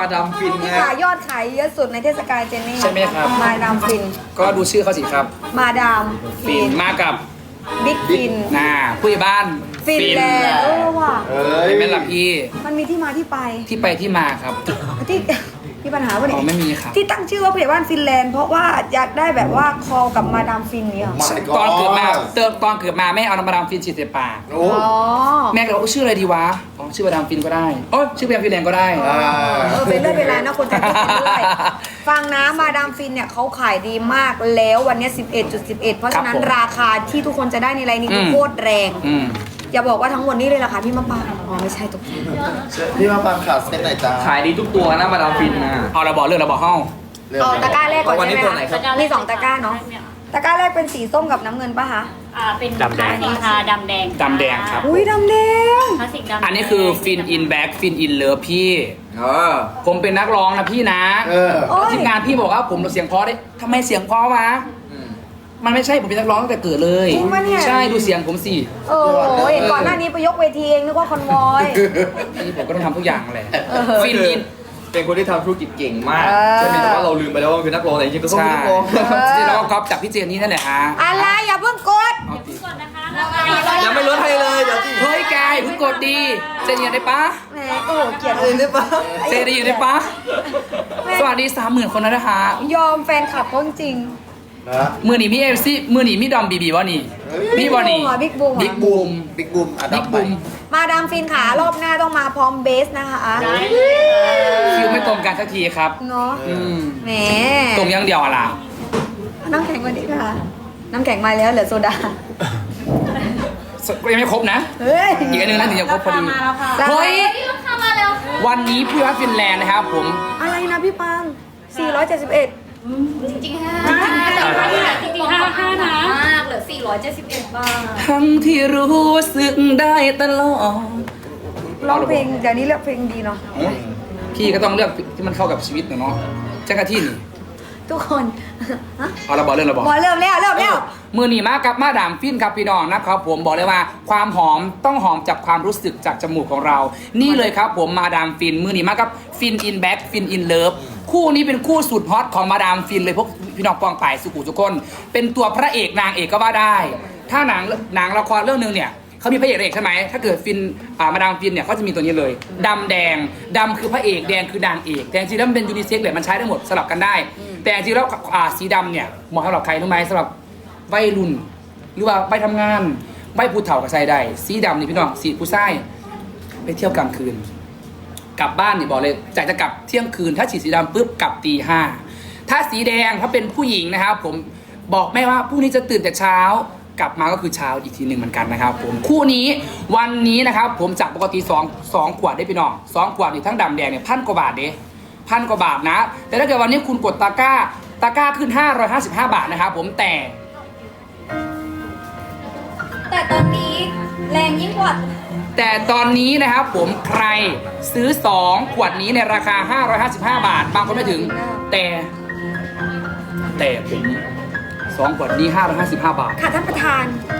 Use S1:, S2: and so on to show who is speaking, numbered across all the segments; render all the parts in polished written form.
S1: ดามฟิน
S2: ที่
S1: นะ
S2: ขายยอดขายเยอะสุดในเทศกาลเจนนี่
S3: ใช่ไหมครับ
S2: มาดามฟิน
S3: ก็ดูชื่อเขาสิครับ
S2: มาดาม
S3: ฟินมากับ
S2: บิ๊กฟิน
S3: ผู้ใหญ่บ้าน
S2: ฟินแลนด์ว่ะ
S3: เป็นแม่หลับพี่
S2: มันมีที่มาที่ไป
S3: ที่ไปที่มาครับ
S2: ที่มีปัญหาปะ
S3: อ๋อ
S2: เนี่ย
S3: ไม่มีครับ
S2: ที่ตั้งชื่อว่าผู้ใหญ่บ้านฟินแลนด์เพราะว่าอยากได้แบบว่าคอกับมาดามฟินเนี่ย
S3: ตอนเกิดมาตอนเกิดมาแม่เอาน้ำมาดามฟินฉีดใส่ปาก
S1: โอ้
S2: อ๋อ
S3: แม่ก็เลยบอกชื่ออะไรดีวะอ๋อชื่อมาดามฟินก็ได้โอ้ยชื่อมาดามฟินแลนด์ก็ได้
S2: เป็นเรื่องเวลานะคนจะคิดกันด้วยฟังนะมาดามฟินเนี่ยเขาขายดีมากแล้ววันนี้ 11.11 เพราะฉะนั้นราคาที่ทุกคนจะได้ในไลน์นี้คือโคตรแรง
S3: อืม
S2: อย่าบอกว่าทั้งหมดนี้เลยราคาพี่มะปรางอ๋อไม่ใช่ตกใจ
S1: พี่มาปังขาดเส้นไหนจ้า
S4: ขายดีทุกตัวนะมาดามฟินนะ
S3: เอาเราบอกเรื่องเราบอกห้อง
S2: เอาตะกร้าแรกก่อน
S4: วัน
S2: ใช่
S4: นี้
S2: ไหม
S4: ตัวไหนครับ
S2: มี2ตะกร้าเนาะตะกร้าแรกเป็นสีส้มกับน้ำเงินปะคะ
S5: เป็นคลาสสิกค่ะดำแดง
S3: ดำแดงครับ
S2: อุ้ยดำแดง
S5: คลาสสิกดำแดง
S3: อันนี้คือฟินอินแบ็กฟินอินเลิฟพี่ ผมเป็นนักร้องนะพี่นะ
S2: โอ้ย
S3: ทีมงานพี่บอกว่าผมเสียงเพราะได้ทำไมเสียงเพราะวะมันไม่ใช่ผมเป็นนักร้องตั้งแต่เกิดเลย
S2: จริงปะเนี่ย
S3: ใช่ดูเสียงผมสิ
S2: โอ้ยก่อนหน้านี้ไปยกเวทีเองนึกว่าคอนวอย
S3: นี่ผมก็ต้องทำทุกอย่างแหละ
S4: ฟินอินเป็นคนที่ทำธุรกิจเก่งมาก
S2: เออ
S4: ใช่ไหมแต่ว่าเราลืมไปแล้วว่ามันคือนักร้องแต่จริงๆก็ต้อง
S3: ใช่
S4: เป็นนักร้อง
S3: จริงๆแล้วก็ก๊อปจากพี่เจนนี่นั่นแหละฮะ
S2: อะไรอย่าเพิ่งกด
S3: เอาสิ
S5: ก่อนนะคะราคา
S4: ยังไม่ลดให้เลยเดี๋ยวที่
S3: เฮ้ยแกอย่าเพิ่งกดดีเจนยังได้ปะ
S2: แหมโอ้โหเกลียด
S4: เอ้ยได้ปะ
S3: เจนได้อยู่ได้ปะสวัสดี 30,000 คนแล้วนะคะ
S2: ยอมแฟนคลับเขาจริง
S1: นะ
S3: มือหนีมีเอฟซีมือหนีมีดอมบีบีวะนี่มีวะนี่
S2: บิ๊กบูม
S3: บิ๊กบูม
S1: บิ๊กบูมอ่ะ
S3: บิ๊
S1: ดั
S3: ก
S1: บไป
S3: บูม
S2: มาดามฟินขารอบหน้าต้องมาพร้อมเบสนะคะ
S5: ได้เลย
S3: คิวไม่ตรงกันสักทีครับ
S2: เนาะ
S3: อืม
S2: แหม
S3: ตรงอยังเดียวอะล่ะ
S2: น้ำแข็งกว่านี้ค่ะ น้ำแข็งมาแล้วเหลือโซดา
S3: ยังไม่ครบนะ
S2: เฮ้ย
S3: อีกอันนึงนะถึงจะครบพอดี
S5: มาแล้วค่ะ
S3: เฮ้ย
S5: เข้ามาแล้ว
S3: วันนี้พี่วัดฟินแลนด์นะครับผม
S2: อะไรนะพี่ปัง 471
S6: จริงๆห้า
S5: จริงๆห้านะ
S6: มากเหลือ471 บาท
S3: ทั้งที่รู้สึกได้ตลอด
S2: ร้องเพลงเดี๋ยวนี้เลือกเพลงดีเนาะ
S3: พี่ก็ต้องเลือกที่มันเข้ากับชีวิตหน่อยเนาะจักรที่นี่
S2: ทุกคน ฮะ
S3: เอาเราบอกเรื่องเราบอก
S2: บอลเริ่มแล้ว
S3: มือหนีมากับมาดามฟินครับพี่น้องนะครับผมบอกเลยว่าความหอมต้องหอมจากความรู้สึกจากจมูกของเรา นี่เลยครับผมมาดามฟินมือหนีมากับฟินอินแบ็กฟินอินเลิฟคู่นี้เป็นคู่สุดฮอตของมาดามฟินเลยพวกพี่น้องปองป่ายสุขุทุกคน เป็นตัวพระเอกนางเอกก็ว่าได้ ถ้าหนังละครเรื่องนึงเนี่ยเขามีพระเอกนางเอกใช่ไหมถ้าเกิดฟินมาดามฟินเนี่ยเขาจะมีตัวนี้เลยดำแดงดำคือพระเอกแดงคือนางเอกแต่จริงๆแล้วมันเป็นยูนิเซ็กซ์เลยมันใช้ได้หมดสลับกันได้ แต่จริงๆแล้วสีดำเนี่ยเหมาะสำหรับใครรู้ไหมสำหรับวัยรุ่นหรือว่าไปทำงานไปผู้เฒ่ากับใส่ได้สีดำนี่พี่น้องสีผู้ชายไปเที่ยวกลางคืน กลับบ้านนี่บอกเลยจากจะกลับเที่ยงคืน ถ้าฉีดสีดำปุ๊บกลับตีห้าถ้าสีแดงถ้าเป็นผู้หญิงนะครับผมบอกแม่ว่าพรุ่งนี้จะตื่นแต่เช้ากลับมาก็คือเช้าอีกทีหนึ่งเหมือนกันนะครับผมคู่นี้วันนี้นะครับผมจากปกติ2 ขวดได้พี่น้อง2 ขวดนี่ทั้งดำแดงเนี่ย1,000 กว่าบาทเด้1,000 กว่าบาทนะ แต่ถ้าเกิดวันนี้คุณกดตะกร้าขึ้น555 บาทนะครับผมแต่
S6: แต่ตอนนี้แรงยิ่งกว่า
S3: แต่ตอนนี้นะครับผมใครซื้อ 2 ขวดนี้ในราคา 555 บาท บางคนไม่ถึง แต่ผม2 ขวดนี้ 555 บาท
S2: ค่ะท่านประธาน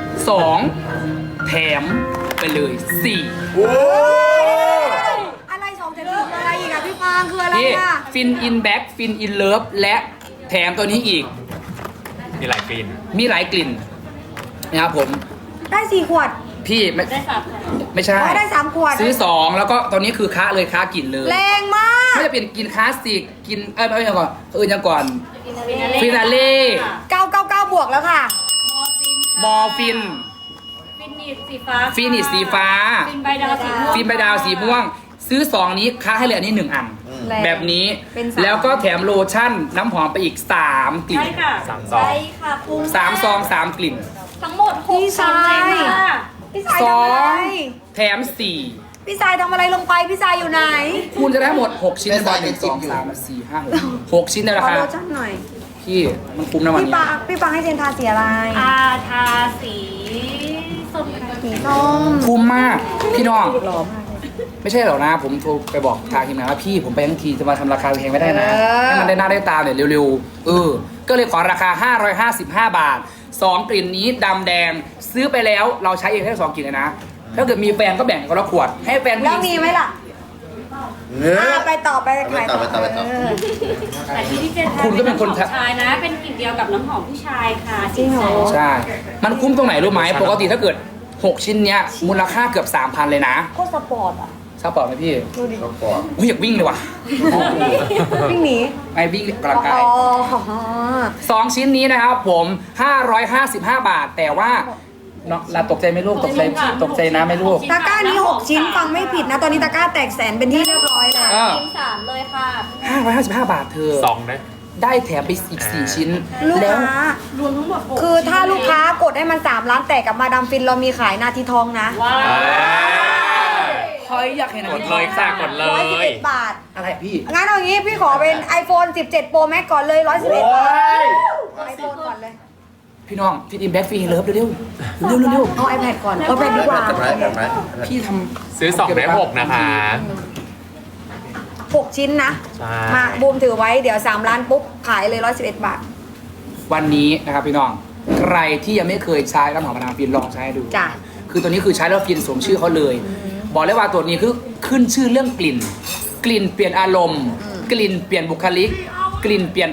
S3: 2 แถมไปเลย 4
S1: โอ้
S2: อะไร2 7 4อะไรอีกอะพี่ปังคืออะไร
S3: นี่
S2: อะ
S3: ฟินอินแบ็กฟินอินเลิฟและแถมตัวนี้อีก
S4: มีหลายฟิน
S3: มีหลายกลิ่นนะครับผม
S2: ได้4 ขวด
S3: พี่ไม่
S5: ได้สับ
S3: ไม่ใช่
S2: ได้3 ขวด
S3: ซื้อ 2 แล้วก็ตอนนี้คือค้าเลยค้ากลิ่นเลย
S2: แรงมาก
S3: ไม่จะเปลี่ยนกินคลาสสิกกินไม่ยังก่อนยังก่อน
S5: ฟินาเล่
S2: 999 บวกแล้วค่ะ
S3: มอร์ฟิน
S5: ฟินิชสีฟ้า
S3: ฟินิชสีฟ้า
S5: ฟินใบดาวสีม่วง
S3: ฟินใบดาวสีม่วง ซื้อ 2 นี้ค้าให้เหลืออันนี้ 1 อัน
S2: แรง
S3: แบบนี้
S2: เป็นสาม
S3: แล้วก็แถมโลชั่นน้ำหอมไปอีก 3 กลิ่น
S5: ใช่ค่ะ
S6: ใช่ค่ะปรุง
S3: 3 ซอง 3 กลิ่น
S6: ทั้งหมด
S2: พี่
S6: 6
S2: ชาย
S5: ค่ะ
S2: พี่สายทำอะไร
S3: 2 แถม
S2: พี่สายทำอะไรลงไป พี่สายอยู่ไหน
S3: 4 คุณจะได้ทั้งหมด 6 ชิ้นในบอล1 2 3 4 5 6 ชิ้นในรา
S2: ขอ
S3: คา
S2: โลชั่นหน่อย
S3: พี่มันคุ้มนะวัน
S2: พี่
S3: นี้
S2: ปังให้เจนทาสีอะไร
S5: ทาสีส้มค่ะ
S2: สีส้ม
S3: คุ้มมาก พี่น้อง
S2: หล่อมากเลย
S3: ไม่ใช่หรอกนะ ผมโทรไปบอกทางทีมงานว่าพี่ผมไปทั้งทีจะมาทำราคาแพงไม่ได้นะ ให้มันได้หน้าได้ตาเนี่ยเร็วๆก็เลยขอราคา 555 บาท 2 กลิ่นนี้ดำแดงซื้อไปแล้วเราใช้เองแค่2 กลิ่นเลยนะ ถ้าเกิดมีแฟนก็แบ่งคนละขวด ให้แฟนผู้
S2: แล้ว
S3: หญิง
S2: มีไหมล่ะ
S1: ม
S2: ไปต่อไปขาย
S1: ไปต่อ
S5: แต่ที่พี่เจนทา
S3: คุณก็เป็นคน
S5: ำหอมชายนะ เป็นกลิ่นเดียวกับน้ำหอมผู้ชายค่ะ
S2: จริงเหรอ
S3: ใช่ มันคุ้มตรงไหนรู้ไหมปกติถ้าเกิด 6 ชิ้นเนี้ยมูลค่าเกือบ 3,000 เลยนะ
S2: โคตรสปอร์ตอ่ะ
S3: ทราบเปล่าไหมพี่
S2: ดูดิ
S1: ก็ก่อน
S3: อุ้ยอยากวิ่งเลยว่ะ
S2: วิ่งหนี
S3: ไปวิ่งกำลังกาย
S2: อ๋อ
S3: 2 ชิ้นนี้นะครับผม 555 บาท แต่ว่าเนาะเราตกใจไหมลูกตกใจนะไหมลูก
S2: ตะกร้านี้ 6 ชิ้นฟังไม่ผิดนะ ตอนนี้ตะกร้าแตกแสนเป็นที่เรียบร้อยแล้ว
S3: เออ
S6: ทีมสามเลยค่ะ
S3: 555 บาทเธอ
S4: สองนะ
S3: ได้แถมไปอีก 4 ชิ้น
S2: ลูก
S3: แล้ว
S2: ค้าร
S5: วมทั้งหมด6
S2: คือถ้าลูกค้ากดให้มัน3 ล้านแตกกับมาดามฟินเรามีขายนาทีทองนะ
S5: ว้าว
S3: เฮ้ยอยากเห็น
S4: กดเลยค่ะกดเลย
S2: 111 บาท
S3: อะไรพี่
S2: งั้นเอางี้พี่ขอเป็น iPhone 17 Pro Max ก่อนเลย 111 บาท iPhone ก่อนเลย
S3: พี่น้องฟิตอินแบ็กฟรีเลิฟเร็วๆเร็ว
S2: เอา iPad ก่อน เอา iPad ดีกว่า
S1: แบบไหน
S3: ๆพี่ทำ
S4: ซื้อ2ได้6นะคะ
S2: 6 ชิ้นนะ
S4: ใช่
S2: มาบูมถือไว้เดี๋ยว 3 ล้านปุ๊บ ขายเลย 111 บาท
S3: วันนี้นะครับพี่น้อง ใครที่ยังไม่เคยใช้น้ำหอมมาดามฟินลองใช้ดู
S2: จ้ะ
S3: คือตัวนี้คือใช้แล้วฟินสวมชื่อเขาเลย บอกเลยว่าตัวนี้คือขึ้นชื่อเรื่องกลิ่น กลิ่นเปลี่ยนอารมณ์ กลิ่นเปลี่ยนบุคลิก กลิ่นเปลี่ยน